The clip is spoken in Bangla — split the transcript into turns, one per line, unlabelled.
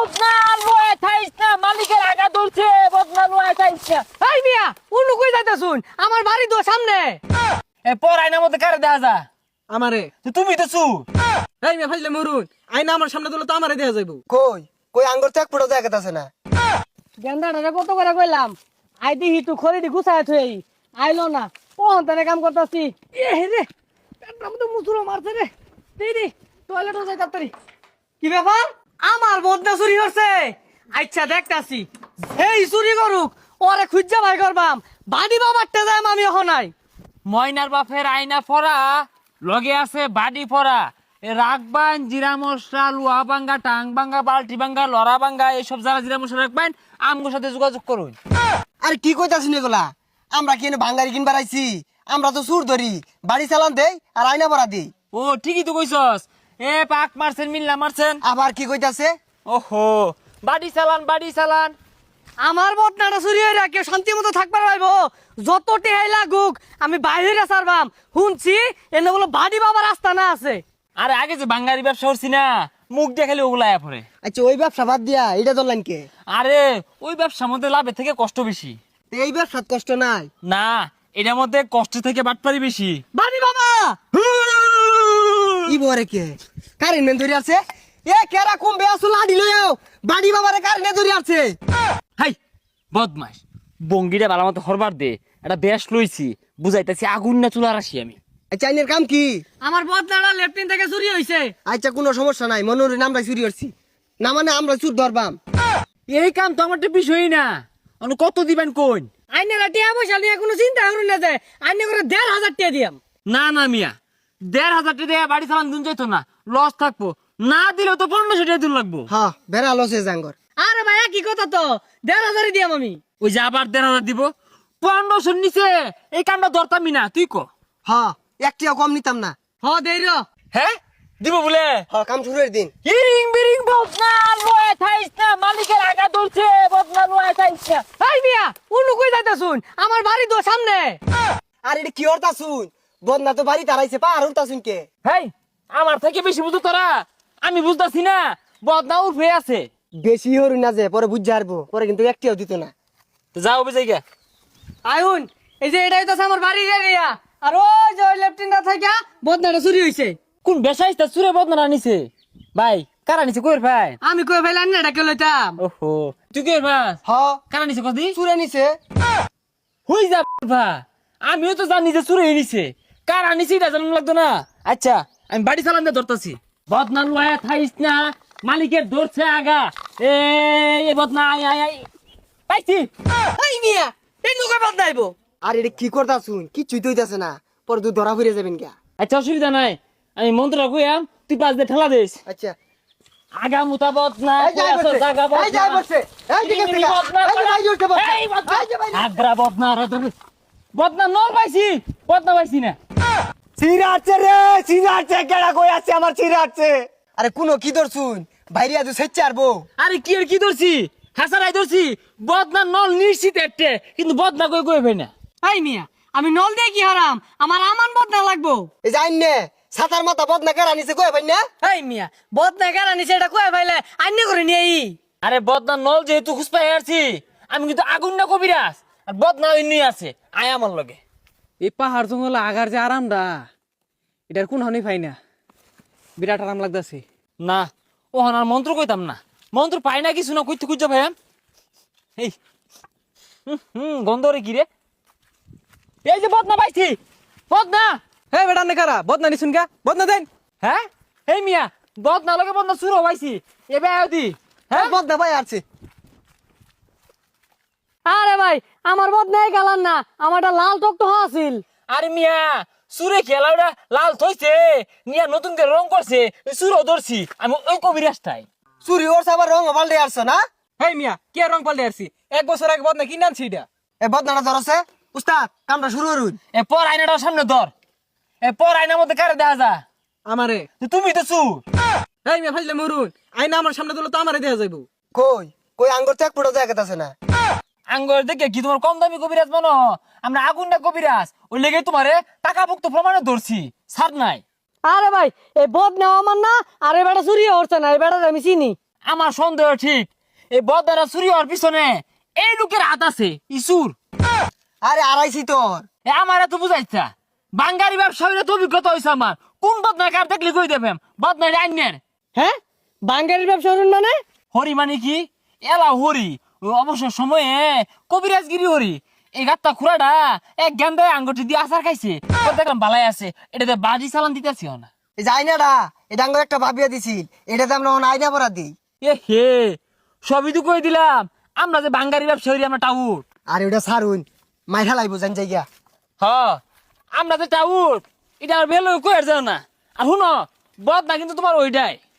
বদনা লয়ে থাইস না মালিকের আগা ধরছে বদনা লয়ে থাইস না
এই মিয়া উনু কই যাইতা শুন আমার বাড়ি তো সামনে
এ পর আয়নার মধ্যে কারে দেখা যা
আমারে
তুমি তো চু
এই মিয়া ফাইলে মরুন আইনা আমার সামনে দিলে তো আমারে দেয়া যাইবো
কই কই আঙ্গুর তো এক ফুটো জায়গা আছে না।
গেন্দাটা কত করে কইলাম আই দিহি তুই খরিদি গুছায় থই আইলো না কোন তারে কাম করতাছি এ রে পেটটা মতো মুসুরো মারছে রে দিদি টয়লেটে যাই তাড়াতাড়ি কি ব্যাপার আমার বদনা চুরি হচ্ছে আচ্ছা দেখতাছি এই চুরি করুক ওরে খুঁজা ভাই করবাম বাড়ি বাবারটা যাই আমি এখন নাই
ময়নার বাপের আয়না পরা লগে আছে বাড়ি পরা এ রাখবান জিরা মশলা লুয়া ভাঙ্গা টাং ভাঙ্গা বালতি ভাঙ্গা লড়া ভাঙ্গা এইসব যারা জিরা মশলা রাখবেন আমগোর সাথে যোগাযোগ করুন।
আরে কি কইতাছিস এগুলা? আমরা কি এনে ভাঙ্গারি কিনবার আইছি? আমরা তো সুর ধরি বাড়ি চালান দেই আর আয়না ভরা দেই।
ও ঠিকই তো কইছস এ পাক মারছেন মিল্লা মারছেন
আবার কি কইতাছে?
ওহো বাড়ি চালান
আমার বদনাটা চুরি হয়ে রাখে শান্তি মতো থাকবার পাইব যত টেহাই লাগুক আমি বাইরে সারবাম শুনছি এনে বলো বাড়ি বাবার রাস্তা না আছে
আরে আগে যে বাঙ্গারি ব্যবসা করছি না মুখ দিয়ে খালি ওগুলা আয়া পড়ে।
আচ্ছা ওই ব্যবসা বাদ দিয়া এটা ধরলেন কে?
আরে ওই ব্যবসার মধ্যে লাভের থেকে কষ্ট বেশি।
তো এই ব্যবসার কষ্ট নাই?
না এটার মধ্যে কষ্ট থেকে বাটপারি বেশি।
বাড়ি বাবা
ই বরে কে কারেন্ট মেন ধরে আছে? এ কেরা কমবে আসো লাডি লইও বাড়ি বাবারে কারেন্ট ধরে আছে।
হাই বদমাস বঙ্গিটা ভালো মতো হরবার দে এটা বেশ লইছি বুঝাইতেছি আগুন না চুলার আসি আমি।
আচ্ছা আইনের কাম কি?
আমার বদনাটা লেফটিন থেকে চুরি হইছে
আচ্ছা কোনো সমস্যা নাই মনোরে আমরা চুরি করছি না মানে আমরা চুর ধরবাম।
এই কাম তো আমার তো বিষয়ই না অন্য কত দিবেন কোন
আইনেরা টিয়া পয়সা নিয়ে কোনো চিন্তা করুন না যায় আইনে করে 1,500 টাকা দিয়াম
না না মিয়া 1,500 টাকা দিয়ে বাড়ি চালান দিন যাইতো না লস থাকবো না দিলেও তো 1500 টাকা দিন লাগবো।
হ্যাঁ বেড়া লসে জাঙ্গর।
আরে ভাইয়া কি কথা তো 1,500 দিয়াম আমি
ওই যে আবার 1,500 দিব 1500 নিচে এই কামটা ধরতামই না তুই ক।
হ্যাঁ একটিও কম নিতাম না।
হ দেই র
হ্যাঁ দিব বলে
হ্যাঁ কাম শুরুর দিন।
ইরিং বিরিং বদনা লয়ে থাইস না মালিকের আগা ধরছে বদনা লয়ে থাইস না।
এই মিয়া উনু কই যাইতা শুন আমার বাড়ি তো সামনে
আর এটা কি হরতা শুন বদনা তো বাড়ি তারাইছে পা আর হরতা শুন কে?
হেই আমার থেকে বেশি বুঝো তোরা আমি বুঝতাছি না বদনা উঠে আছে।
বেশি হরু না যে পরে বুঝ হারবো পরে কিন্তু একটিও দিত না।
তো যাও বুঝাই গা
আইউন এই যে এটাই তো আমার বাড়ির এরিয়া আর ওই যে ওই লেফটিনটা থেকে বদনাটা চুরি হইছে
কোন বেসাইস্তা সুরে বদনা নিছে ভাই কারা নিছে কইর ভাই
আমি কই ফেলান না ডাকে লইতাম
ওহো তুই কইর ভাই
হ্যাঁ
কারা নিছে কদি
চুরে নিছে।
হই যা ভাই আমিও তো জানি যে সুরে নিছে কারা নিছে এটা জানা লাগতো না। আচ্ছা আমি বাড়ি চালান দিয়ে ধরতাছি বদনা লয়ে থাইস না মালিকের ধরছে আগা এ বদনা আই আই আই পাইছি।
এই মিয়া এই নুকে বদনাইবো
আর এটা কি করতা শুন কিছুই তো হইতাছে না পরে তুই ধরা ফিরে যাবেন কে?
আচ্ছা অসুবিধা নাই আমি মন্ত্রটা কইয়াম তুই পাঁচ দিয়ে ঠেলা দিস
আচ্ছা
আগা মুতা বদনা
এই যাই বসে এই যাই বসে এই দিকে থেকে এই যে ভাই উঠতে বসে এই যে ভাই
আগ্রা বদনা রে তুমি বদনা নর পাইছি বদনা পাইছি না।
চিরাচ্ছে রে চিরাচ্ছে কেডা কই আছে আমার চিরাচ্ছে। আরে কোন কি ধর শুন বাইরে আজ সেচ্ছে আরবো।
আরে কি আর কি ধরছি হাসারাই ধরছি বদনা নল নিশ্চিত একটা কিন্তু বদনা কই কই ভাই না।
এই মিয়া আমি নল দিয়ে কি হারাম আমার আমান বদনা লাগবো
এই যাই নে সাতার মাথা বদনা কেরা নিছে কই ভাই না?
এই মিয়া বদনা কেন নিছে এটা কই ফাইলে আইনে করে নিয়ে
আরে বদনা নল যেহেতু খুঁজপাই আসছি আমি কিন্তু আগুন না কবিরাস আর বদনা এমনি আছে আয় আমার লগে।
এই পাহাড় জঙ্গল আগার যে আরামটা এটার কোন হনি পাই না বিরাট আরাম লাগতাছে
না ও আর মন্ত্র কইতাম না মন্ত্র পাই না কিছু না কইতে খুঁজা ভাই এই গন্ধ রে কি রে এই যে বদনা পাইছি বদনা।
হে বেটা নে কারা বদনা নিছুন কা বদনা দেন
হ্যাঁ এই মিয়া বদনা লগে বদনা শুরু হইছি এবে আদি হ্যাঁ
বদনা ভাই আছে।
আরে ভাই আমার বদনাই গালান না আমারটা লাল টকটো আছিল
আরে মিয়া সুরে খেলাটা লাল থইছে নিয়া নতুন করে রং করছে সুরও ধরছি আমি ওই কবিরাজটাই।
চুরি ওর আবার রং পাল্টে আসছে না?
হেই মিয়া কে রং পাল্টে আসছি 1 বছর আগে বদনা কিনে আনছি এটা
এ বদনাটা ধরছে উস্তাদ কামটা শুরু করুন।
এ পর আয়নাটার সামনে ধর এ পর আয়নার মধ্যে কারে দেখা যা
আমারে
তুমি তো চু
এই মিয়া ফাইলে মরুন আইনা আমার সামনে দিলে তো আমারে দেয়া যাইবো
কই কই আঙ্গুর তো এক ফুটো জায়গা আছে না।
আঙ্গর দেখে কি তোমার কম দামি কবিরাজ মানো আমরা আগুন না কবিরাজ ওই লেগে তোমারে টাকা ভুক্ত প্রমাণে ধরছি ছাড় নাই।
আরে ভাই এই বদনা আমার না আরে বেটা চুরি হচ্ছে না এই বেটা আমি চিনি
আমার সন্দেহ ঠিক এই বদারা চুরি হওয়ার পিছনে এই লোকের হাত আছে ইসুর।
আরে আড়াইছি তোর।
আমার এত বুঝাইছা বাঙ্গারি ব্যবসা হইলে তো অভিজ্ঞতা হয়েছে আমার। কোন বদনা কার দেখলে কই দেবেন বদনা আইনের।
হ্যাঁ বাঙ্গারির ব্যবসা করুন মানে?
হরি মানে কি? এলা হরি ওই অবসর সময়ে কবিরাজগিরি হরি। এই গাত্তা খুড়াটা এক গেন্দায় আঙ্গুটি দিয়ে আচার খাইছে। ওর দেখলাম বালাই আছে, এটাতে বাড়ি চালান দিতেছি না।
এই যে আইনাটা এটা আঙ্গুর একটা ভাবিয়া দিছিল, এটাতে আমরা আইনা পরা দিই।
এ হে সবই তো কই দিলাম, আমরা যে বাঙ্গারি ব্যবসা হরি আমরা টাউট।
আর ওটা সারুন মাইঠা লাইব জান জায়গা।
হ আমরা যে টাউট এটা আর বেলো কই আর যাও না। আর শুনো বদ না কিন্তু তোমার ওইটাই।